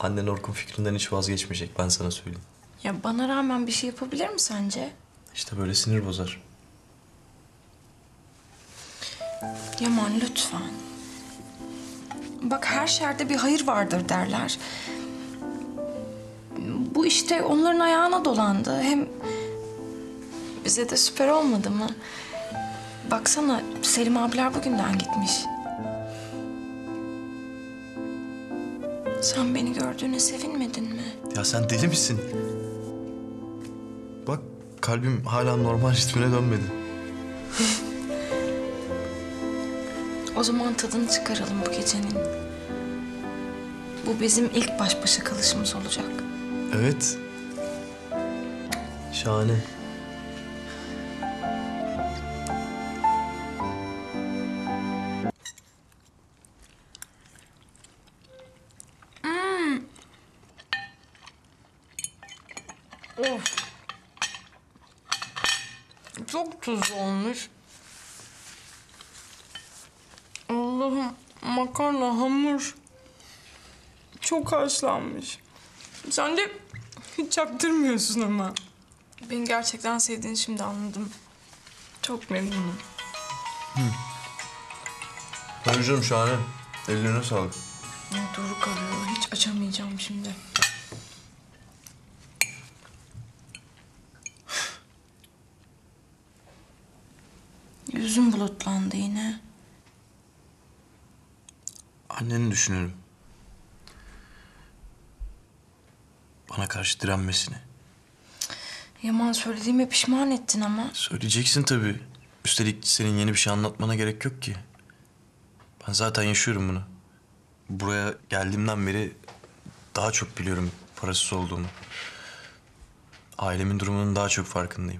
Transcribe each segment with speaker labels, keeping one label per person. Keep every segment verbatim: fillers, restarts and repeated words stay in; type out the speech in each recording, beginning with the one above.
Speaker 1: Annen Orkun fikrinden hiç vazgeçmeyecek, ben sana söyleyeyim.
Speaker 2: Ya bana rağmen bir şey yapabilir mi sence?
Speaker 1: İşte böyle sinir bozar.
Speaker 2: Yaman lütfen. Bak her şerde bir hayır vardır derler. Bu işte onların ayağına dolandı. Hem bize de süper olmadı mı? Baksana Selim abiler bugünden gitmiş. Sen beni gördüğüne sevinmedin mi?
Speaker 1: Ya sen deli misin? Bak kalbim hala normal ritmine dönmedi.
Speaker 2: O zaman tadını çıkaralım bu gecenin. Bu bizim ilk baş başa kalışımız olacak.
Speaker 1: Evet. Şahane.
Speaker 2: Of. Çok tuzlu olmuş. Allah'ım makarna, hamur. Çok haşlanmış. Sen de hiç çaktırmıyorsun ama. Beni gerçekten sevdiğini şimdi anladım. Çok memnunum.
Speaker 1: Tabii canım şahane. Ellerine sağlık.
Speaker 2: Doğru kalıyor. Hiç açamayacağım şimdi. Yüzüm bulutlandı yine.
Speaker 1: Anneni düşünüyorum. Bana karşı direnmesini.
Speaker 2: Yaman söylediğime pişman ettin ama.
Speaker 1: Söyleyeceksin tabii. Üstelik senin yeni bir şey anlatmana gerek yok ki. Ben zaten yaşıyorum bunu. Buraya geldiğimden beri daha çok biliyorum parasız olduğumu. Ailemin durumunun daha çok farkındayım.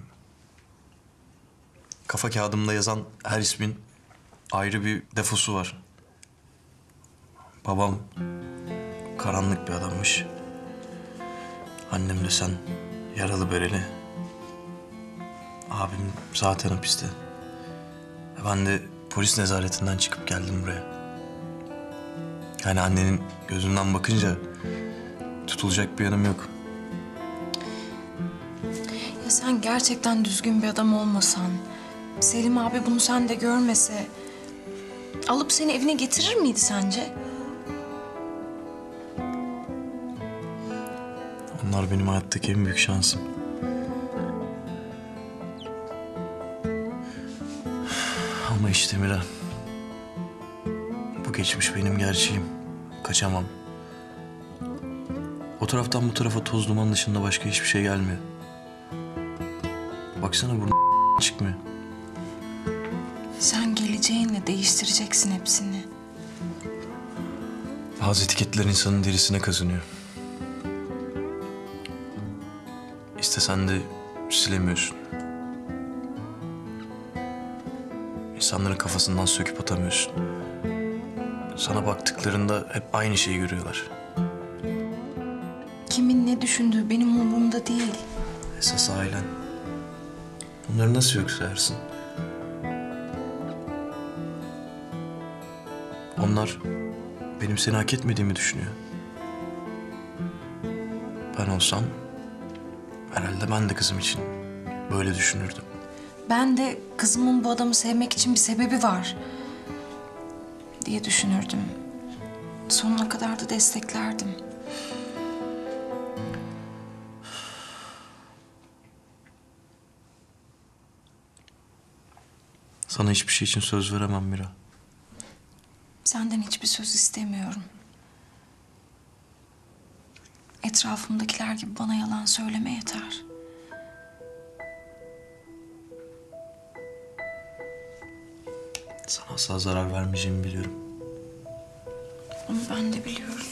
Speaker 1: Kafa kağıdımda yazan her ismin ayrı bir defosu var. Babam karanlık bir adammış. Annem de sen yaralı bereli. Abim zaten hapiste. Ben de polis nezaretinden çıkıp geldim buraya. Yani annenin gözünden bakınca tutulacak bir yanım yok.
Speaker 2: Ya sen gerçekten düzgün bir adam olmasan, Selim abi bunu sende görmese, alıp seni evine getirir miydi sence?
Speaker 1: Onlar benim hayattaki en büyük şansım. Ama işte Mira, bu geçmiş benim gerçeğim. Kaçamam. O taraftan bu tarafa toz duman dışında başka hiçbir şey gelmiyor. Baksana burnu çıkmıyor.
Speaker 2: Sen geleceğinle değiştireceksin hepsini.
Speaker 1: Bazı etiketler insanın derisine kazınıyor. İstesen de silemiyorsun. İnsanların kafasından söküp atamıyorsun. Sana baktıklarında hep aynı şeyi görüyorlar.
Speaker 2: Kimin ne düşündüğü benim umurumda değil.
Speaker 1: Esas ailen. Bunları nasıl yok sayarsın? Onlar benim seni hak etmediğimi düşünüyor. Ben olsam herhalde ben de kızım için böyle düşünürdüm.
Speaker 2: Ben de kızımın bu adamı sevmek için bir sebebi var diye düşünürdüm. Sonuna kadar da desteklerdim.
Speaker 1: Sana hiçbir şey için söz veremem Mira.
Speaker 2: Senden hiçbir söz istemiyorum. Etrafımdakiler gibi bana yalan söyleme yeter.
Speaker 1: Sana asla zarar vermeyeceğimi biliyorum.
Speaker 2: Onu ben de biliyorum.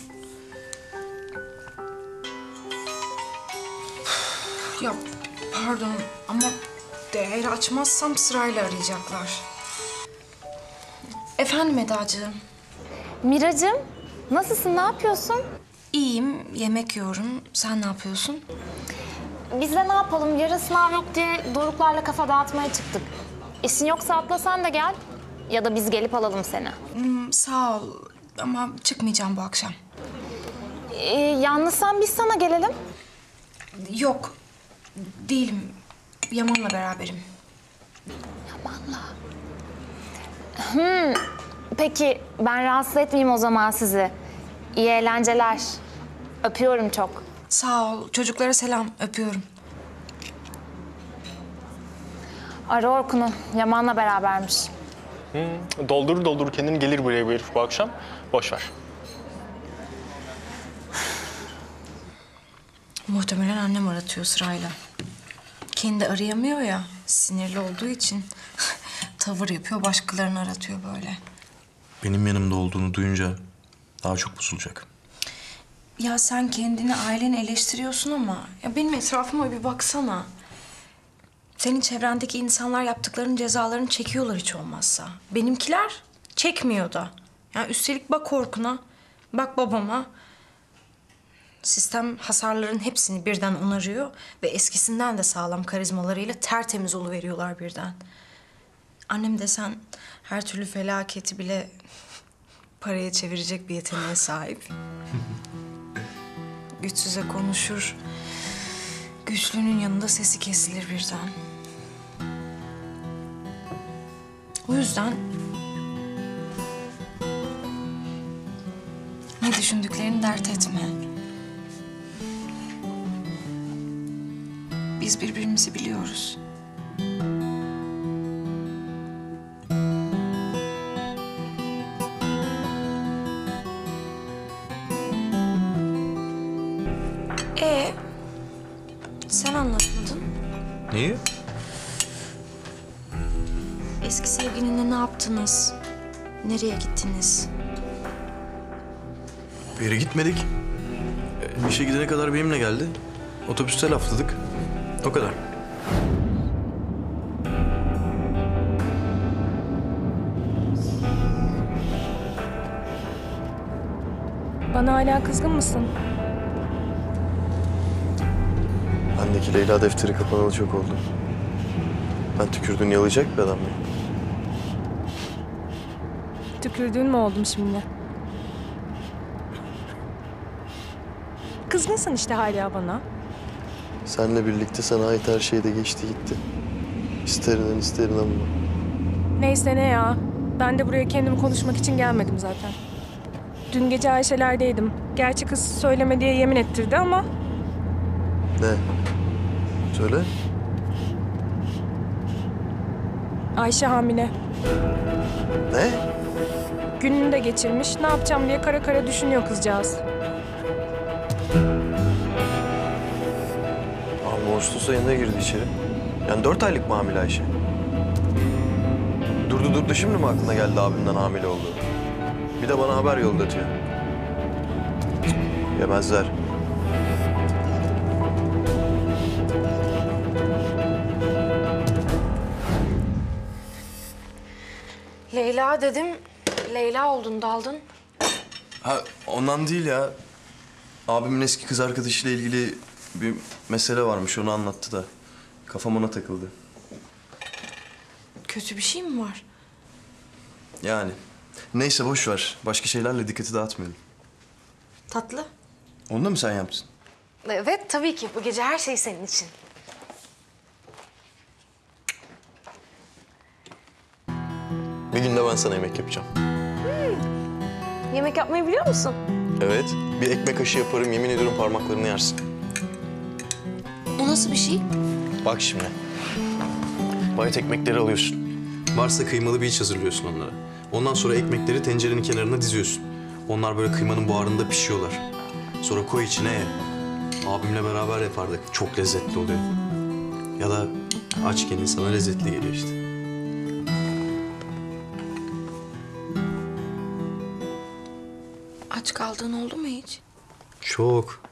Speaker 2: Ya pardon ama eğer açmazsam sırayla arayacaklar. Efendim Edacığım.
Speaker 3: Miracığım, nasılsın, ne yapıyorsun?
Speaker 2: İyiyim, yemek yiyorum. Sen ne yapıyorsun?
Speaker 3: Biz de ne yapalım, yarın sınav yok diye Doruklarla kafa dağıtmaya çıktık. İşin yoksa atlasan da gel. Ya da biz gelip alalım seni.
Speaker 2: Hmm, sağ ol ama çıkmayacağım bu akşam.
Speaker 3: Ee, yalnızsan biz sana gelelim.
Speaker 2: Yok, değilim. Yaman'la beraberim.
Speaker 3: Peki ben rahatsız etmeyeyim o zaman sizi. İyi eğlenceler. Öpüyorum çok.
Speaker 2: Sağ ol. Çocuklara selam. Öpüyorum.
Speaker 3: Ara Orkun'u. Yaman'la berabermiş.
Speaker 4: Doldurur doldurur kendini gelir buraya bu herif bu akşam. Boş ver.
Speaker 2: Muhtemelen annem aratıyor sırayla. Kendi arayamıyor ya, sinirli olduğu için tavır yapıyor, başkalarını aratıyor böyle.
Speaker 1: Benim yanımda olduğunu duyunca daha çok bozulacak.
Speaker 2: Ya sen kendini, aileni eleştiriyorsun ama ya benim etrafıma bir baksana. Senin çevrendeki insanlar yaptıklarının cezalarını çekiyorlar hiç olmazsa. Benimkiler çekmiyor da. Ya üstelik bak Orkun'a, bak babama. Sistem hasarların hepsini birden onarıyor ve eskisinden de sağlam karizmalarıyla tertemiz oluveriyorlar birden. Annem desen her türlü felaketi bile paraya çevirecek bir yeteneğe sahip. Güçsüze konuşur, güçlünün yanında sesi kesilir birden. O yüzden ne düşündüklerini dert etme. Biz birbirimizi biliyoruz. Ee, sen anlatmadın.
Speaker 1: Neyi?
Speaker 2: Eski sevgilinle ne yaptınız? Nereye gittiniz?
Speaker 1: Bir yere gitmedik. E, İşe gidene kadar benimle geldi. Otobüste lafladık. O kadar.
Speaker 5: Bana hala kızgın mısın?
Speaker 6: Bendeki Leyla defteri kapanalı çok oldu. Ben tükürdüğünü yalayacak bir adam mıyım?
Speaker 5: Tükürdüğün mü oldum şimdi? Kızgınsın işte hala bana.
Speaker 6: Seninle birlikte sana ait her şey de geçti gitti. İster inan ister inanma.
Speaker 5: Neyse ne ya. Ben de buraya kendimi konuşmak için gelmedim zaten. Dün gece Ayşe'lerdeydim. Gerçi kız söyleme diye yemin ettirdi ama...
Speaker 6: Ne? Söyle.
Speaker 5: Ayşe hamile.
Speaker 6: Ne?
Speaker 5: Gününü de geçirmiş. Ne yapacağım diye kara kara düşünüyor kızcağız.
Speaker 6: Ağustos ayında girdi içeri. Yani dört aylık mı hamile Ayşe? Durdu durdu şimdi mi aklına geldi abimden hamile olduğu? Bir de bana haber yollatıyor. Cık, Yemezler.
Speaker 2: Leyla dedim, Leyla oldun, daldın.
Speaker 1: Ha ondan değil ya. Abimin eski kız arkadaşıyla ilgili bir mesele varmış. Onu anlattı da. Kafam ona takıldı.
Speaker 2: Kötü bir şey mi var?
Speaker 1: Yani. Neyse boş ver. Başka şeylerle dikkati dağıtmayalım.
Speaker 2: Tatlı.
Speaker 1: Onu da mı sen yaptın?
Speaker 2: Evet, tabii ki. Bu gece her şey senin için.
Speaker 6: Bir gün de ben sana yemek yapacağım.
Speaker 2: Yemek yapmayı biliyor musun?
Speaker 6: Evet. Bir ekmek kaşığı yaparım. Yemin ediyorum parmaklarını yersin.
Speaker 2: O nasıl bir şey?
Speaker 6: Bak şimdi. Bayat ekmekleri alıyorsun.
Speaker 1: Varsa kıymalı bir iç hazırlıyorsun onlara. Ondan sonra ekmekleri tencerenin kenarına diziyorsun. Onlar böyle kıymanın buharında pişiyorlar. Sonra koy içine ye. Abimle beraber yapardık. Çok lezzetli oluyor. Ya da açken insana lezzetli geliyor işte.
Speaker 2: Aç kaldığın oldu mu hiç?
Speaker 1: Çok.